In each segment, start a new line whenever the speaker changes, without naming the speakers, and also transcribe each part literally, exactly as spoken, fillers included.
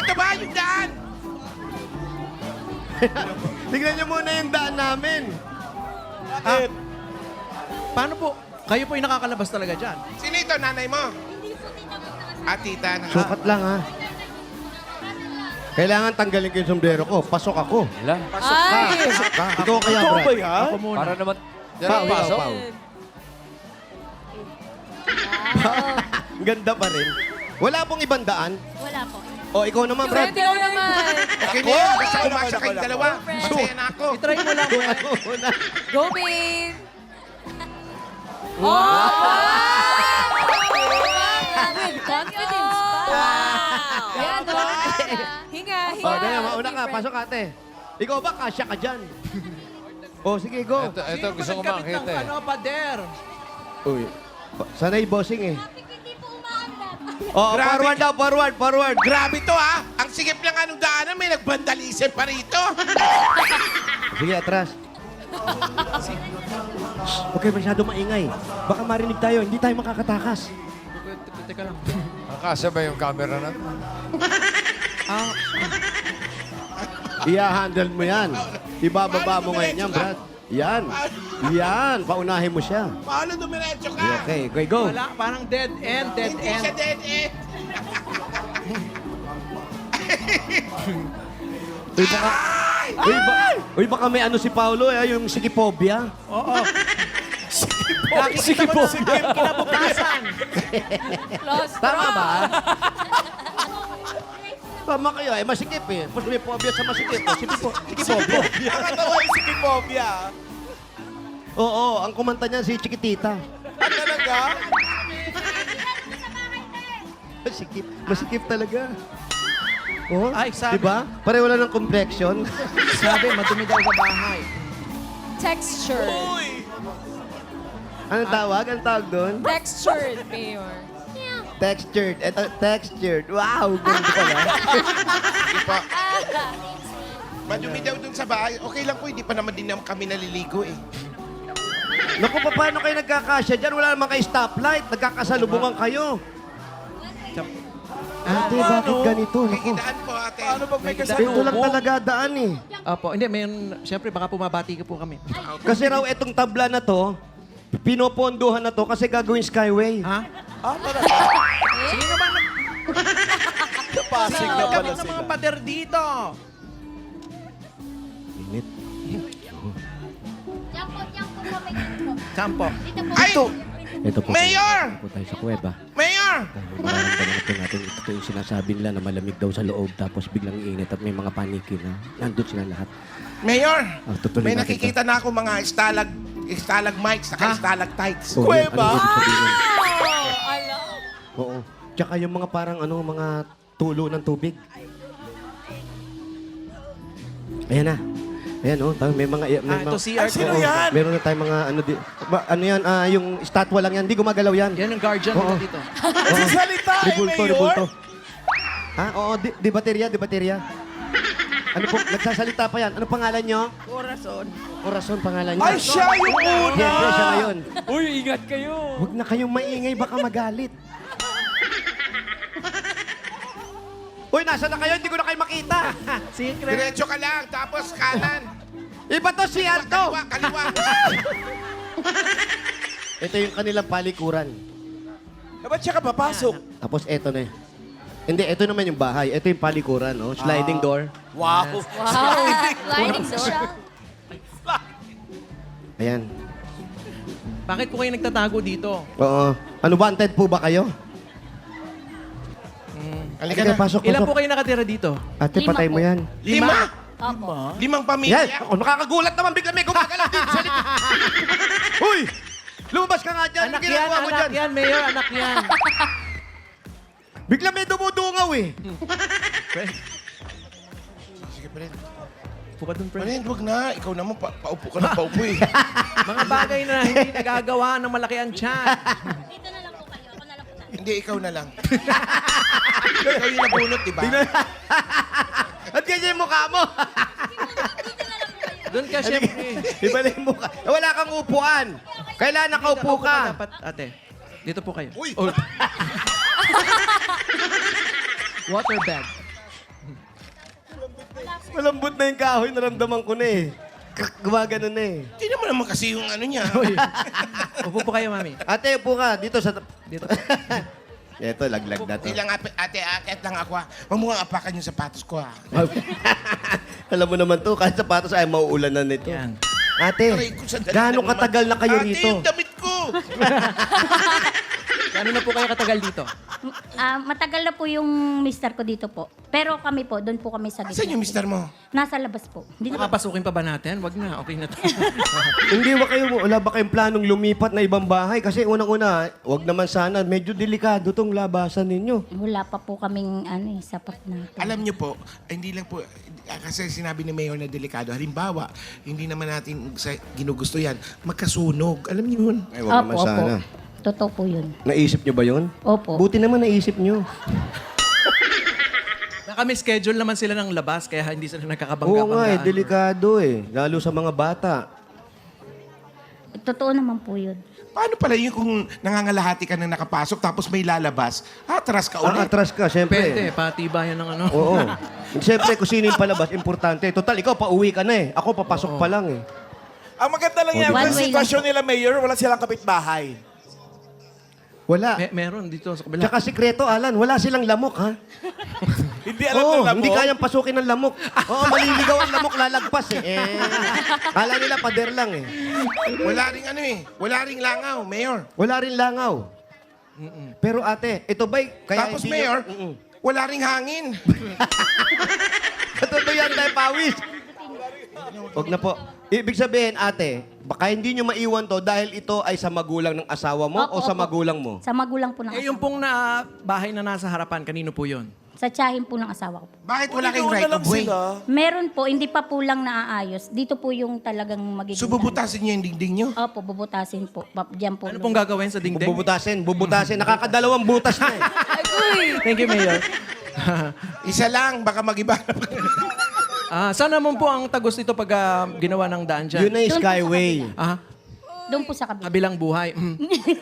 Ito ba yung daan?
Tignan niyo muna yung daan namin.
Ah, paano po? Kayo po yung nakakalabas talaga dyan.
Sino ito, nanay mo? Ah, tita. Na.
Sukat lang, ha? Kailangan tanggalin ko yung sombrero ko. Pasok ako.
Wala.
Ay!
Pasok ka. Ikaw kaya,
Ikaw
Brad.
ba yan? Ako muna.
Para naman...
Pao, ikaw,
pasok.
Pao. Ang ganda pa rin. Wala pong ibang daan.
Wala po.
O, ikaw naman, Brad.
Ikaw naman.
Okay na yan. Basta umasa kayong dalawa. Masaya na ako.
I-try mo lang.
Kung ano muna.
Go, babe! Wow! With confidence pa. Wow! Yan, no? Hinga, hinga.
O, dali, mauna ka. Pasok, ate. Ikaw ba, kasya ka dyan? O, sige, go.
Ito, ito
Sino
gusto
ba
ko
nagkabit ng
makita eh.
ano, pader?
Uy. Sanay bossing eh.
Hindi po umaandar.
O,
Grabe.
forward daw, forward, forward.
Grabe to, ha? Ang sigip lang anong daanan, may nagbandalism pa rito.
Sige, atras. Okay, masyado maingay. Baka marinig tayo, hindi tayo makakatakas.
Teka lang.
Nakasya ba yung camera na?
Ah,
Iya-handle mo yan. Ibababa mo ngayon yan, Brad. Yan. Yan. Paunahin mo siya.
Paano dumiretso ka?
Okay, okay, go.
wala. Parang dead end, dead
Hindi
end.
siya dead end.
Uy, baka... Uy, ba, uy, baka may ano si Paolo, eh, yung sikipobia.
Oo. Nakikita mo na sikip kinabukasan.
Lost
Tama ba? Tama kayo, eh, masikip eh. Mas may phobia sa masikip. eh. Sikipo, sikipobia.
Nakatawa yung sikipobia.
Oo, ang kumanta niya si Chiquitita.
Ah, talaga?
Masikip, masikip talaga. Oh,
Ay, sabi-
diba? Pareho lang ng complexion.
Sabi, madumi daw sa bahay.
Texture.
Anong tawag? Anong tawag doon?
Textured, Mayor.
Textured. Eto, textured. Wow, ganda pala.
Hindi pa. Madumi daw dun sa bahay. Okay lang po, hindi pa naman din naman kami naliligo eh.
Naku, pa- paano kayo nagkakasya dyan? Wala naman kayo stoplight. Nagkakasalubungan kayo. Ate, bakit ganito? Naku.
Kikidaan po ate.
Ano pag may
Ito lang talaga daan eh.
Opo, hindi, may, siyempre baka pumabati ka po kami.
Kasi raw itong tabla na to, pinopondohan na to kasi gagawin skyway.
Ha? Ah, talaga? Sino ba nag... Sino nagkabit ng mga pader dito?
Init.
Diyan po, diyan po po, may dito.
Sampo.
Dito po.
Ay!
Ito po.
Mayor!
Ito po tayo sa kuweba.
Mayor!
Dahil nararamdaman natin natin, ito po yung sinasabi nila na malamig daw sa loob tapos biglang init at may mga paniki na nandun sila lahat.
Mayor!
Ah, tutuloy
May
natin
nakikita na ako mga stalag, stalagmites, saka stalactites.
Oh, yan. Ano ibig sabihin?
Wow! Alam.
Oo. Tsaka yung mga parang ano, mga tulo ng tubig. Ayan na. Ayan oh, tayo may mga may
Ah, ito
mga,
C R. Sino
Oo,
yan?
Meron na tayong mga ano di, ba, ano yan, ah, yung statwa lang yan, hindi gumagalaw yan.
Yan ang guardian
Oo.
nila dito.
Nagsasalita eh, Mayor! Ribulto, Ha? Oo, di, di baterya, di baterya. Ano po, nagsasalita pa yan. Ano pangalan nyo?
Corazon.
Corazon pangalan nyo.
Ay, siya yung una!
Siyempre, siya ngayon.
Uy, ingat kayo!
Huwag na kayong maingay, baka magalit. Uy, nasa na kayo? Hindi ko na kayo makita.
Secret.
Diretso ka lang, tapos kanan.
Iba to si Alto.
Kaliwa, kaliwa.
Ito yung kanilang palikuran.
Eh, ba't siya ka papasok?
Tapos eto na eh. Hindi, ito naman yung bahay. Ito yung palikuran, oh. Sliding door.
Wow.
Wow! Sliding door.
Ayan.
Bakit po kayo nagtatago dito?
Oo. Ano, wanted po ba kayo?
Halika
Halika,
na.
pasok,
Ilan po
pasok.
kayo nakatira dito?
Ate,
Lima
patay
po.
mo yan.
Lima.
Opo.
Limang
Yan!
pamilya.
Ako, nakakagulat naman. Bigla may gumagalaw dito sa likod. Uy! Lumabas ka nga dyan.
Anak
Ano
yan,
ginagawa mo
anak
dyan?
yan, Mayor, anak yan.
Bigla may dumudungaw eh.
Sige pa rin.
Puka dun,
Pa
friend.
rin, huwag na. Ikaw naman, pa paupo ka na paupo eh.
Mga bagay na hindi nagagawa ng malaki ang tiyan.
Dito na lang po kayo. Ako na lang po tayo.
Hindi, ikaw na lang. Ikaw yung nabunot, di ba?
At ganyan yung mukha mo.
Doon ka, syempre.
Ibalik mo ka. Wala kang upuan. Kailangan nakaupo ka.
Dapat, ate. Dito po kayo.
Uy!
Oh. Water bed.
Malambot na yung kahoy, naramdaman ko na eh. K- Gumagano na eh.
Tingnan mo naman kasi yung ano niya.
Uy. Upo po kayo, mami.
Ate, upo ka. Dito sa...
Dito.
Ito, laglag na to.
Ilang ate, ate, akit lang ako ha. Huwag mo nga apakan yung sapatos ko ha.
Alam mo naman to, kahit sapatos ay mauulan na nito.
Yan.
Ate,
Aray ko, sandali
gaano
lang naman.
katagal na kayo
Ate,
rito?
yung damit ko!
Gano'n na po kayo katagal dito?
Ah, matagal na po yung mister ko dito po. Pero kami po, doon po kami sa gitna.
Saan yung mister mo?
Nasa labas po. Hindi na
Makapasukin pa ba natin? Wag na, okay na to.
Hindi ba kayo, wala ba kayong planong lumipat na ibang bahay? Kasi unang-una, wag naman sana, medyo delikado tong labasan ninyo.
wala pa po kaming ano eh, sapat na.
Alam niyo po, hindi lang po, ah, kasi sinabi ni Mayor na delikado. Halimbawa, hindi naman natin sa ginugusto yan, magkasunog. Alam niyo yun?
Ay, wag naman sana.
Totoo po yun.
Naisip nyo ba yun?
Opo.
Buti naman naisip nyo.
Baka may schedule naman sila ng labas, kaya hindi sila nagkakabangga-banggaan.
Oo nga eh, delikado eh. Lalo sa mga bata.
Totoo naman po yun.
Paano pala yun kung nangangalahati ka na nakapasok tapos may lalabas, atras ka
Ang
ulit?
atras ka,
Pwede,
siyempre.
patibayan ng ano.
Oo. Siyempre, kung sino yung palabas, importante. Total, ikaw, pauwi ka na eh. Ako, papasok pa lang eh.
Ang maganda lang yan,
One
yung
way
sitwasyon nila, Mayor, wala silang kapitbahay.
Wala.
Me- meron dito sa kabila.
Tsaka sikreto, Alan, wala silang lamok, ha?
Hindi alam
Oo,
nila
hindi
mo.
kayang pasukin ng lamok. Oo, maliligaw ang lamok, lalagpas eh. eh. Kala nila pader lang eh.
Wala ring ano eh, wala ring langaw, Mayor.
Wala rin langaw. Pero ate, ito ba'y... Kaya
Tapos
hindi
Mayor,
nyo- Mm-mm.
wala ring hangin.
Totoo yan tayo, pawis. Huwag na po. Ibig sabihin, ate, baka hindi nyo maiwan to dahil ito ay sa magulang ng asawa mo o
Opo,
sa
opo.
magulang mo?
Sa magulang po ng
Eh, yung
asawa.
pong na bahay na nasa harapan, kanino po yun?
Sa tiyahin po ng asawa ko po.
Bakit wala kayong
Doon
right
na lang
of way?
sila.
Meron po, hindi pa po lang naaayos. Dito po yung talagang magiging...
So bubutasin niyo yung dingding niyo?
Opo, bubutasin po. Pa- Diyan po.
Ano pong gagawin sa dingding?
Bubutasin, bubutasin. Nakakadalawang butas na eh.
Thank you, Mayor.
Isa lang, baka mag-iba.
Ah, saan naman po ang tagos nito pag ah, ginawa ng daan dyan?
Yun na yung
Doon po sa
Skyway.
Ah,
Doon po sa kabila.
kabilang buhay. Mm.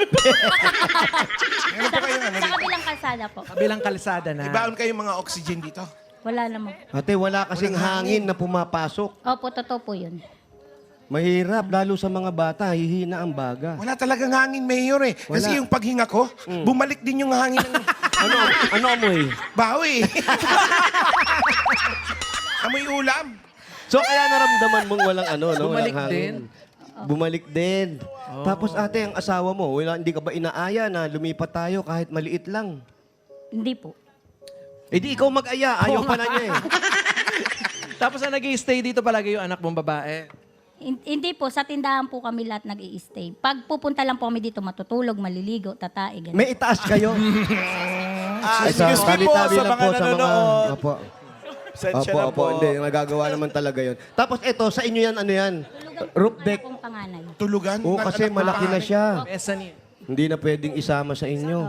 Meron po kayong ano
Sa
dito?
kabilang kalsada po.
Kabilang kalsada na.
Ibaon kayong mga oxygen dito.
Wala naman.
Ate, wala kasing hangin na pumapasok.
Opo, totoo po yun.
Mahirap, lalo sa mga bata, hihina ang baga.
Wala talagang hangin, Mayor eh. Kasi
Wala.
yung paghinga ko, bumalik din yung hangin ng
Ano, ano amoy?
bawi. Amoy ulam.
So kaya naramdaman mong walang ano, no?
Bumalik
walang hangin. Bumalik din. Tapos ate, ang asawa mo, wala, hindi ka ba inaaya na lumipat tayo kahit maliit lang?
Hindi po.
Eh di ikaw mag-aya, ayaw pa na niya eh.
Tapos na nag stay dito palagi yung anak mong babae.
Hin- Hindi po, sa tindahan po kami lahat nag stay Pag pupunta lang po kami dito, matutulog, maliligo, tatae, ganun.
May itaas kayo.
Ah,
Ay, sa-
excuse me po
tabi-tabi
sa
lang
mga
po sa
nanonood.
Opo.
Sensya
Opo,
na
opo.
po.
Hindi, nagagawa naman talaga yon. Tapos ito, sa inyo yan, ano yan? Roof deck.
Pong panganay.
Tulugan.
Oo,
ng
kasi
anak ng
malaki na
panganay.
siya.
Mezzanine.
Hindi na pwedeng isama sa inyo.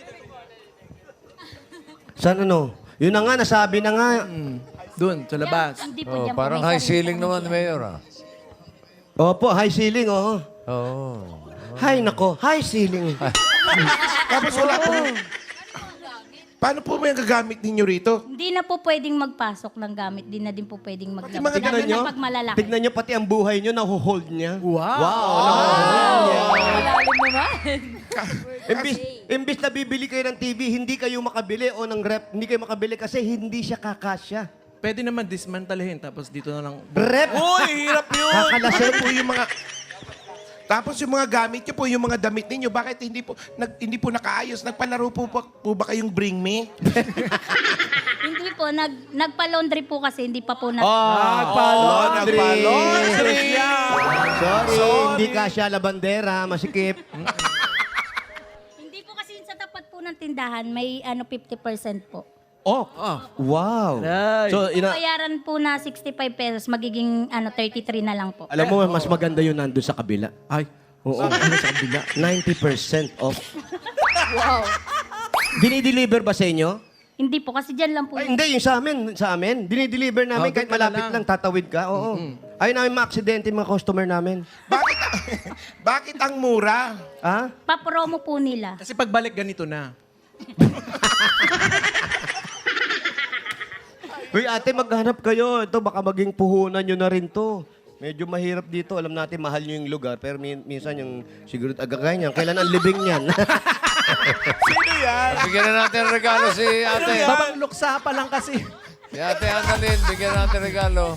Saan ano? Yun na nga, nasabi na nga.
Doon, sa labas.
Hindi po
Oh,
dyan po.
parang
May
high
sarili
ceiling
po
naman,
kami
Mayor. Ah.
Opo, high ceiling, oo.
Oo.
Hay nako, high ceiling.
Tapos wala po. Paano po ba yung gagamit ninyo rito?
Hindi na po pwedeng magpasok ng gamit. Hindi na din po pwedeng maglabas.
mga
Lalo
Tignan nyo,
na pag malalaki.
tignan nyo pati ang buhay nyo, nahuhold niya.
Wow!
Wow!
Malalim naman.
Imbis, imbis na bibili kayo ng T V, hindi kayo makabili o ng rep, hindi kayo makabili kasi hindi siya kakasya.
Pwede naman dismantlehin, tapos dito na lang.
Rep!
Uy, hirap yun.
Kakalasin
Ano po yung mga... Tapos yung mga gamit nyo po, yung mga damit ninyo, bakit hindi po nag, hindi po nakaayos? Nagpalaro po, po, po ba kayong Bring Me?
Hindi po. Nag, nagpa-laundry po kasi. Hindi pa po na...
Nagpa-laundry!
Nagpa-laundry.
Sorry, hindi kasya labandera, masikip.
Hindi po kasi sa tapat po ng tindahan, may ano fifty percent po.
Oh, wow.
Nice.
So, ina
Bayaran po na sixty-five pesos, magiging ano thirty-three na lang po.
alam mo, mas maganda yun nandun sa kabila.
Ay,
Oo. Ano sa kabila? ninety percent off.
Wow.
Dinideliver ba sa inyo?
Hindi po, kasi dyan lang po.
Ay,
yung-
hindi, yung sa amin. Sa amin. Dinideliver namin
Oh,
kahit
doon ka na
malapit
lang.
lang. tatawid ka. Oo. Ayaw namin ma-aksidente yung mga customer namin.
Bakit, bakit ang mura?
Ha?
Pa-promo po nila.
kasi pagbalik ganito na.
Uy, ate, maghanap kayo. Ito, baka maging puhunan nyo na rin to. Medyo mahirap dito. Alam natin, mahal nyo yung lugar. Pero min- minsan yung siguro agagay niyan. Kailan ang libing niyan?
Sino yan?
Bigyan na natin regalo si ate.
Babang luksa pa lang kasi.
Si ate Annalyn, bigyan natin regalo.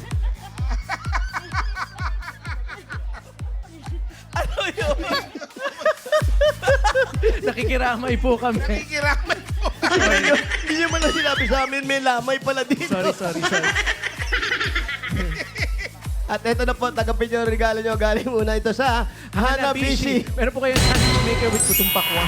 Ano yun?
Nakikiramay po kami.
Kikiraman po.
Hindi nyo man lang sinabi sa amin, may lamay pala dito.
Sorry, sorry, sorry.
At ito na po, tagapin nyo ang regalo nyo. Galing muna ito sa Hanabishi.
Meron po kayong sandwich maker with putong pakwan.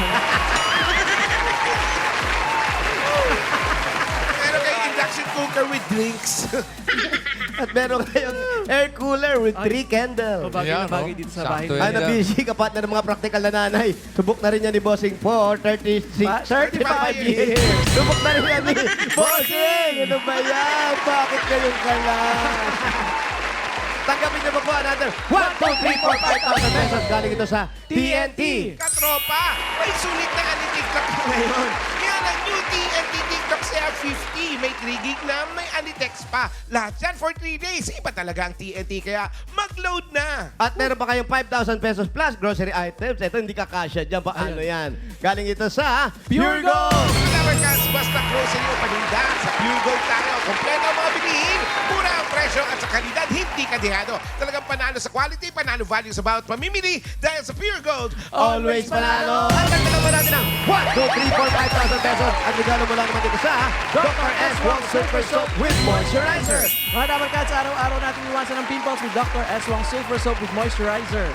Meron kayong induction cooker with drinks.
At meron kayong air cooler with three candles.
Bagay
Yan,
na bagay
oh.
dito sa
Sakto
bahay.
yan.
Hanabishi, kapatid ng mga praktikal na nanay. Subok na rin yan ni Bossing for thirty-six,
Pa-
thirty-five years. Subok na rin yan ni Bossing! Ano ba yan? Bakit kayong kalan? Tanggapin niyo pa po another one, two, three, four, five thousand pesos. Galing ito sa T N T.
Katropa, may sulit na nga ni TikTok ngayon. Yan ang new T N T TikTok Share fifty. May three gig na, may anitext pa. Lahat yan for three days. Iba talaga ang T N T, kaya mag-load na.
At meron pa kayong five thousand pesos plus grocery items. Ito hindi kakasya dyan. Paano yan? Galing ito sa Pure Gold.
Flower cans, basta grocery o paninda. Sa Pure Gold tayo. Kompleto ang mga bilihin. Mura ang presyo at sa kalidad, hindi kadihado. Talagang panalo sa quality, panalo value sa bawat pamimili. Dahil sa Pure Gold,
Always panalo. At nagtagal mo natin ng one, two, three, four, five thousand pesos. At regalo mo lang naman dito sa Doctor S. Wong Super Soap with Moisturizer.
Mga dapat ka, sa araw-araw natin iwasan ng pimples with Doctor S. Wong Silver Soap with Moisturizer.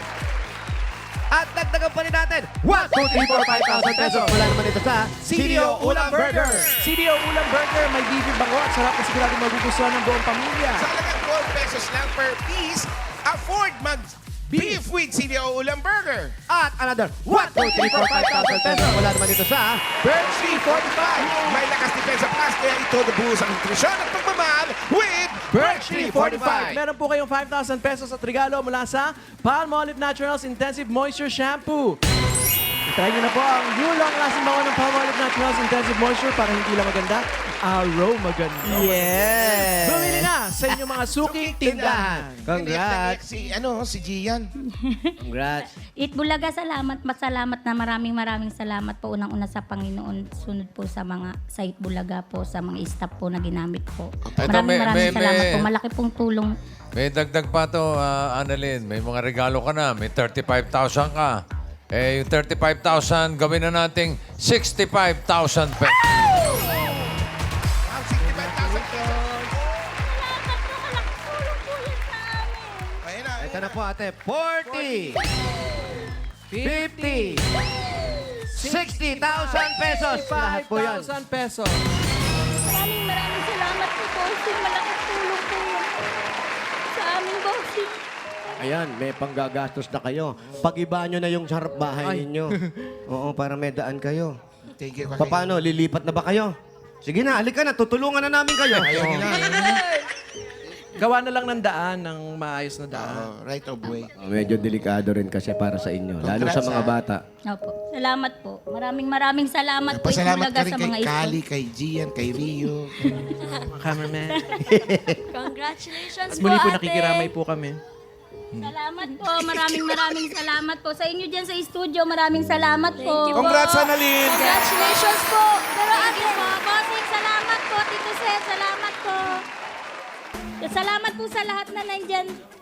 At dagdagan pa rin natin one, two, three, four, five thousand pesos. Mula naman dito sa
C D O Ulam Burger. C D O Ulam Burger, may beef bango at sarap na sigurado magugustuhan ng buong pamilya.
sa halagang twelve pesos lang per piece, afford mag beef with C D O Ulam Burger.
At another one, two, three, four, five thousand pesos. Mula naman dito sa
Birch three forty-five. May lakas depensa plus, kaya ito nabuhos ang nutrisyon at pagmamahal with
Birch three forty-five. Meron po kayong five thousand pesos at regalo mula sa Palmolive Naturals Intensive Moisture Shampoo. Try nyo na po ang new long-lasting bango ng Palmolive Naturals Intensive Moisture para hindi lang maganda, aroma maganda.
Yes!
Bumili na sa inyong mga suking tindahan.
Congrats!
Si, ano, si Gian.
Congrats!
Itbulaga, salamat, masalamat na maraming maraming salamat po unang-una sa Panginoon. Sunod po sa mga sa Itbulaga po, sa mga staff po na ginamit po.
Ito,
Maraming
may-
maraming
may-
salamat
may-
po. Malaki pong tulong.
May dagdag pa to, ah, Annalyn. May mga regalo ka na. May thirty-five thousand ka. Eh, yung thirty-five thousand, gawin na nating sixty-five thousand pesos.
Ang sixty-five thousand pesos.
Salamat po, malaking tulong po yan sa amin.
Ayun na,
Ito na po ate, forty, fifty, sixty thousand pesos. Lahat po yan.
five thousand pesos.
Maraming maraming salamat po, bossing. Malaking tulong po yan sa amin, bossing.
Ayan, may panggagastos na kayo. Pag-iba nyo na yung harap bahay
Ay.
ninyo. Oo, para may daan kayo.
Thank you.
Pa- Paano, lilipat na ba kayo? Sige na, halika na, tutulungan na namin kayo.
Ayaw nila.
Gawa na lang ng daan, ng maayos na daan.
Oh, right of way.
Oh, medyo delikado rin kasi para sa inyo, lalo sa
Congrats,
mga
ha?
bata.
Opo. Salamat po. Maraming maraming salamat po.
Pasalamat
Itbulaga
ka rin
sa
kay
mga
Kali,
staff.
kay Gian, kay Rio.
Mga cameraman.
Congratulations
At muli po nakikiramay po kami.
Salamat po. Maraming maraming salamat po. Sa inyo dyan sa studio, maraming salamat po.
Congrats, Annalyn.
Congratulations po. Pero ate po, bossing, salamat po. Tito Seth, salamat po. Salamat po sa lahat na nandyan